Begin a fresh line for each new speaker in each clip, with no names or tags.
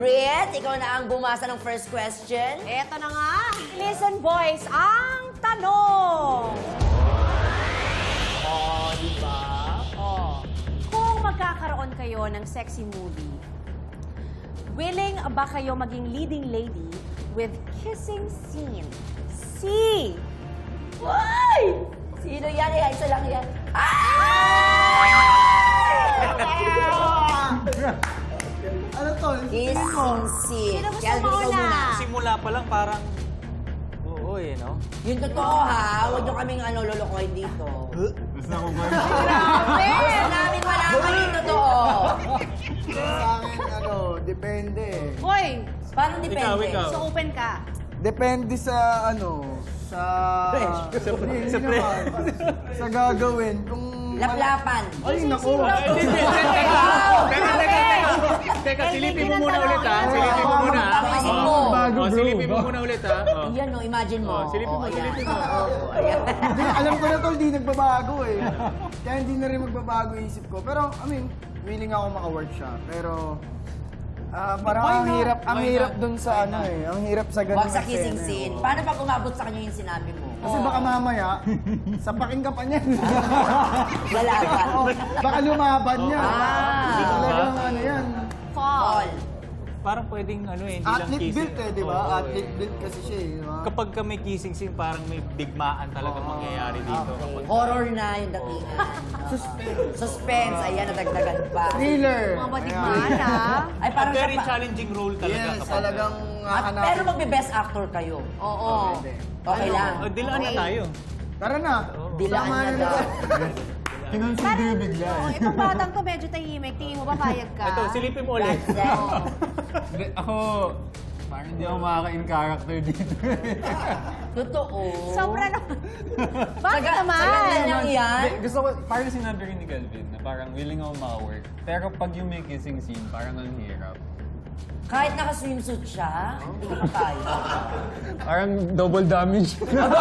Briet, ikaw na ang bumasa ng first question.
Eto na nga. Listen, boys, ang tanong.
Diba?
Kung magkakaroon kayo ng sexy movie, willing ba kayo maging leading lady with kissing scene? C.
Why? Sino yan? Isa lang yan.
Ano to?
Kissing scene.
Sino gusto
Calvin,
mo
ikaw
una?
muna.
Simula pa lang parang... Oo no?
Yung totoo ha, huwag nyo kaming lulukoy dito.
Gusto ko ba?
Gusto namin malaman yung totoo.
Sa akin, depende.
Hoy,
Paano depende?
Ikaw.
so open ka.
Depende sa sa... Hindi naman. Sa gagawin. Kung...
Laplapan.
Ay, naku.
Teka, silipin mo muna ulit ha. Silipin mo muna ha.
Isip mo.
Silipin mo muna ulit ha.
Yan no, imagine mo.
Silipin mo,
Oo,
silipin
yan.
mo.
Oo, ayan.
Hindi, alam ko na to, hindi nagbabago eh. Kaya hindi na rin magbabago yung isip ko. Pero, I mean, willing ako maka-work siya. Pero, parang ang hirap dun sa ang hirap sa ganun.
Huwag sa kissing scene. Paano pag umabot sa kanya yung sinabi mo?
Kasi baka mamaya, sapakin ka pa niyan.
Lalaban.
Baka lumaban niya.
Ah.
Talagang yan.
Fall.
All.
Parang pwedeng hindi lang
Athlete
kissing.
built di ba?
Oo,
Athlete built kasi siya di ba?
Kapag ka may kissing scene, parang may digmaan talaga mangyayari dito.
Okay. Horror na yung datingan. Suspense. Ayan, nadagdagan pa.
Thriller.
Mga badigmaan, ha?
Ay, parang
Very
siya pa-
challenging role talaga.
Yes,
kapag-
talagang
Pero magbe-best actor kayo.
Oo.
Okay lang.
Dilaan na tayo.
Tara na.
Dilaan
Tama
na daw.
Kinonsider yung bigla.
Itong batang to medyo tahimik. Tingin mo ba payag ka?
Ito, silipin mo ulit.
That's that.
Hindi, ako, parang hindi ako makaka-in character dito.
Totoo.
Sobra na. Bakit
Sa
naman?
ganda niyang yan.
Hindi, gusto ko, parang sinabi rin ni Calvin, na parang willing ako maka-work. Pero pag yung may kissing scene, parang ang hirap.
Kahit naka-swimsuit siya, hindi ko kaya.
Parang double damage.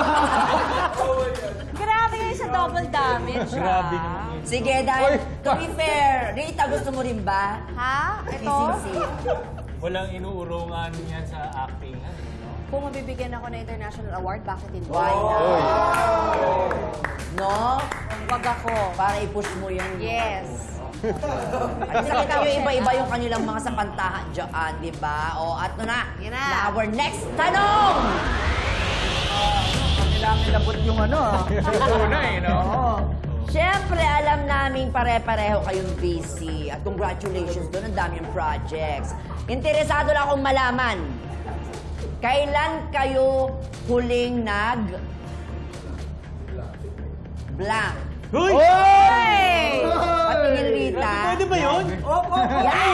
Grabe kayo sa double damage,
Grabe
ha?
naman.
Sige, dahil to be fair, Rita, gusto mo rin ba?
Ha? Ito?
Kissing scene.
Walang inuurungan yan sa acting.
Kung mabibigyan ako ng international award, bakit hindi?
Why not? No?
Wag ako.
Para i-push mo yan.
Yes.
At nakita nyo iba-iba yung kanilang mga sapantahan dyan, di ba? O, at na.
Yan na.
Our next tanong!
Kailangan labot yung
no?
Siyempre, alam namin pare-pareho kayong busy. At congratulations doon, ang daming projects. Interesado lang akong malaman, kailan kayo huling blank?
Hoy!
Hey!
Patingin Rita.
Pwede ba yun?
Yan!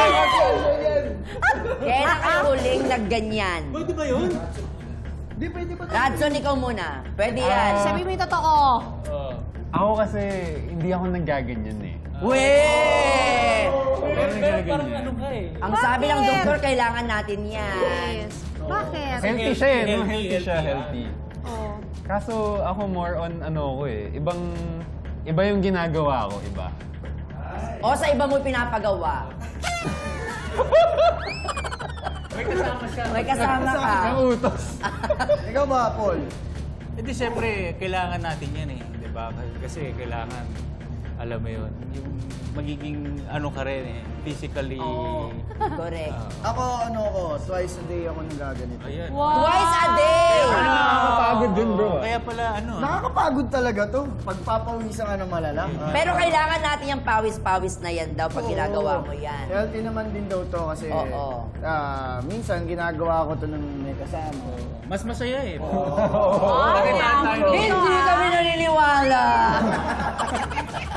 Kailan kayo huling nagganyan?
Pwede ba yun?
Di pwede ba?
Radson, ikaw muna. Pwede yan.
Sabi mo yung totoo.
Ako kasi, hindi ako nagaganyan eh.
Weh!
Pero
Parang
nagaganyan.
ano ka eh.
Ang sabi ng
Bakit?
doktor, kailangan natin yan.
Yes. Bakit?
Healthy siya eh, no?
Healthy,
Healthy siya,
healthy,
healthy.
Oh.
Kaso ako more on ko eh. Iba yung ginagawa ko, iba.
O sa iba mo pinapagawa.
May kasama siya.
May kasama ka.
Ang utos.
Ikaw ba, Paul?
Hindi, siyempre, kailangan natin yan eh. Di ba? Kasi kailangan, alam mo yun, yung magiging ka rin eh, physically.
Correct.
Ako, twice a day ako nagaganito.
Ayan.
Wow.
Twice a day!
Nakakapagod din, bro.
Kaya pala,
Nakakapagod talaga to. Pagpapawisan ka ng malala.
Pero kailangan natin yung pawis-pawis na yan daw pag ginagawa mo yan.
Healthy naman din daw to kasi
Oo.
minsan ginagawa ko to nung may kasama.
mas masaya eh.
Hindi kami naniniwala.